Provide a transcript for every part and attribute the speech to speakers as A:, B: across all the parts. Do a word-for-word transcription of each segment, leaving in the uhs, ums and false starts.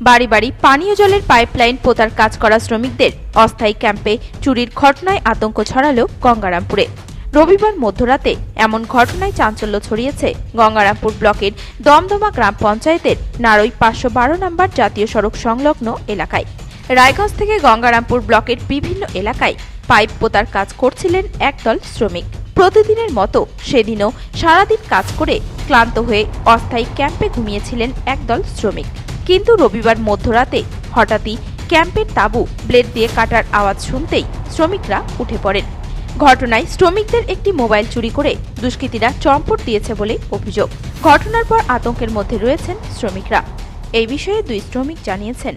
A: বাড়ি বাড়ি পানীয় জলের পাইপলাইন পোতার কাজ করা শ্রমিকদের অস্থায়ী ক্যাম্পে চুরির ঘটনায় আতঙ্ক ছড়ালো গঙ্গারামপুরে। রবিবার মধ্যরাতে এমন ঘটনায় চাঞ্চল্য ছড়িয়েছে গঙ্গারামপুর ব্লকের দমদমা গ্রাম পঞ্চায়েতের নারই পাঁচশো বারো নম্বর জাতীয় সড়ক সংলগ্ন এলাকায়। রায়গঞ্জ থেকে গঙ্গারামপুর ব্লকের বিভিন্ন এলাকায় পাইপ পোতার কাজ করছিলেন একদল শ্রমিক। প্রতিদিনের মতো সেদিনও সারাদিন কাজ করে ক্লান্ত হয়ে অস্থায়ী ক্যাম্পে ঘুমিয়েছিলেন একদল শ্রমিক। কিন্তু রবিবার মধ্যরাতে হঠাৎই ক্যাম্পের তাঁবু ব্লেড দিয়ে কাটার আওয়াজ শুনতেই শ্রমিকরা উঠে পড়েন। ঘটনায় শ্রমিকদের একটি মোবাইল চুরি করে দুষ্কৃতীরা চম্পট দিয়েছে বলে অভিযোগ। ঘটনার পর আতঙ্কের মধ্যে রয়েছেন শ্রমিকরা। এই বিষয়ে দুই শ্রমিক জানিয়েছেন,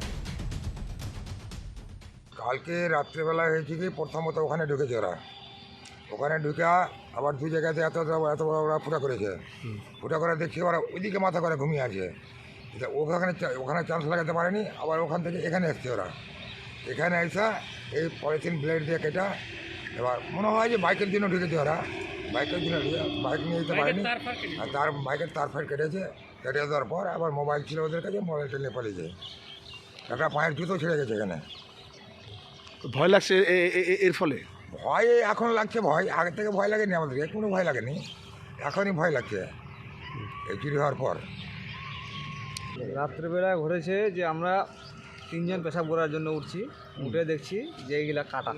B: কালকে রাত্রেবেলা হয়েছে কি প্রথমত ওখানে ঢুকেছে ওরা, ওখানে ঢুকে আবার দুই জায়গাতে এত এত বড় ওরা ফুটা করেছে। ফুটা করে দেখছি ওরা ওইদিকে মাথা করে ঘুমিয়ে আছে। ওখানে ওখানে চান্স লাগাতে পারেনি, আবার ওখান থেকে এখানে এসছে ওরা। এখানে এসে এই পলিথিন ব্লেড দিয়ে কেটা, এবার মনে হয় যে বাইকের জন্য ঢুকেছে ওরা। বাইকের জন্য ঢুকে বাইক নিয়ে যেতে পারেনি, আর তার বাইকের তার ফার কেটেছে। কেটে দেওয়ার পর আবার মোবাইল ছিল ওদের কাছে, মোবাইলটা নিয়ে পালিয়েছে। একটা পায়ের জুতো ছিঁড়ে গেছে এখানে।
C: ভয় লাগছে এর ফলে?
B: ভয় এখন লাগছে, ভয় আগে থেকে ভয় লাগেনি আমাদের, কোনো ভয় লাগেনি, এখনই ভয় লাগছে এই চুরি হওয়ার পর।
D: রাত্রেবেলায় ঘটেছে যে আমরা তিনজন পেশাব করার জন্য উঠছি, উঠে দেখছি যে এইগুলা কাটা।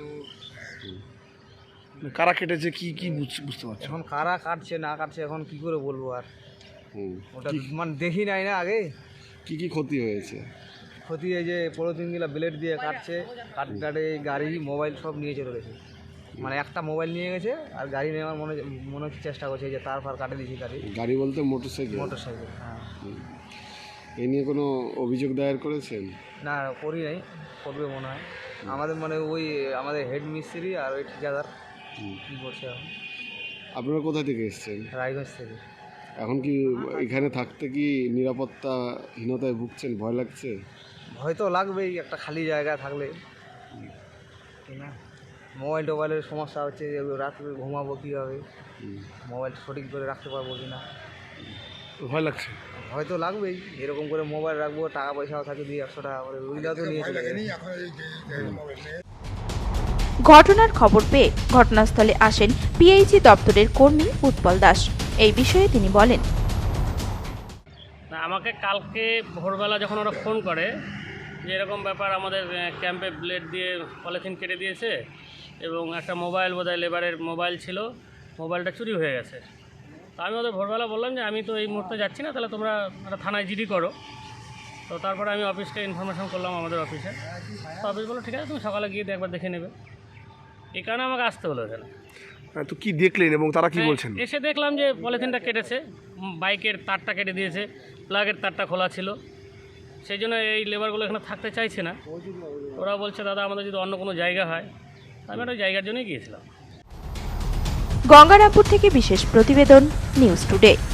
C: কারা কেটেছে কি কি বুঝতে পারছি?
D: এখন কারা কাটছে না কাটছে এখন কি করে বলবো আর, ওটা মানে দেখি নাই না আগে।
C: কি কি ক্ষতি হয়েছে?
D: ক্ষতি এই যে পলিথিনগুলা ব্লেড দিয়ে কাটছে, কাট কাটে গাড়ি মোবাইল সব নিয়ে চলে গেছে। মানে একটা মোবাইল নিয়ে গেছে আর গাড়ি নেওয়ার মনে মনে হচ্ছে চেষ্টা করছে যে তার ফার কাটে দিয়েছি গাড়ি।
C: গাড়ি বলতে মোটরসাইকেল?
D: মোটরসাইকেল, হ্যাঁ।
C: এ নিয়ে কোনো অভিযোগ দায়ের করেছেন?
D: না করি নাই, করবে মনে হয়। আমাদের মানে ওই আমাদের হেড মিস্ত্রি আর ওই ঠিকাদার কী করছে এখন।
C: আপনারা কোথা থেকে এসেছেন?
D: রায়গঞ্জ থেকে।
C: এখন কি এখানে থাকতে কি নিরাপত্তাহীনতায় ভুগছেন? ভয় লাগছে?
D: ভয় তো লাগবেই, একটা খালি জায়গা থাকলে। না মোবাইল টোবাইলের সমস্যা হচ্ছে, রাত্রে ঘুমাবো কীভাবে, মোবাইল সঠিক করে রাখতে পারবো কি না,
C: ভয় লাগছে।
D: ভয় তো লাগবেই। এরকম করে মোবাইল রাখবো, টাকা পয়সাও থাকে দুই একশো টাকা করে, ওইগুলো তো নিয়ে চলে গেছে।
A: ঘটনার খবর পেয়ে ঘটনাস্থলে আসেন পিএইচই দপ্তরের কর্মী উৎপল দাস। এই বিষয়ে তিনি বলেন,
E: না আমাকে কালকে ভোরবেলা যখন ওরা ফোন করে যে এরকম ব্যাপার, আমাদের ক্যাম্পে ব্লেড দিয়ে পলিথিন কেটে দিয়েছে এবং একটা মোবাইল বোধহয় লেবারের মোবাইল ছিল, মোবাইলটা চুরি হয়ে গেছে। তো আমি ওদের ভোরবেলা বললাম যে আমি তো এই মুহূর্তে যাচ্ছি না, তাহলে তোমরা একটা থানায় জিডি করো। তো তারপরে আমি অফিসকে ইনফরমেশন করলাম আমাদের অফিসে। তো অফিস বললো ঠিক আছে, তুমি সকালে গিয়ে একবার দেখে নেবে। এই কারণে আমাকে আসতে হলো এখানে।
C: তো কি দেখলেন এবং তারা কি বলছেন?
E: এসে দেখলাম যে পলিথিনটা কেটেছে, বাইকের তারটা কেটে দিয়েছে, প্লাগের তারটা খোলা ছিল। সেই জন্য এই লেবারগুলো এখানে থাকতে চাইছে না। ওরা বলছে দাদা আমাদের যদি অন্য কোনো জায়গা হয়। আমি একটা জায়গার জন্যই গিয়েছিলাম।
A: গঙ্গারামপুর থেকে বিশেষ প্রতিবেদন, নিউজ টুডে।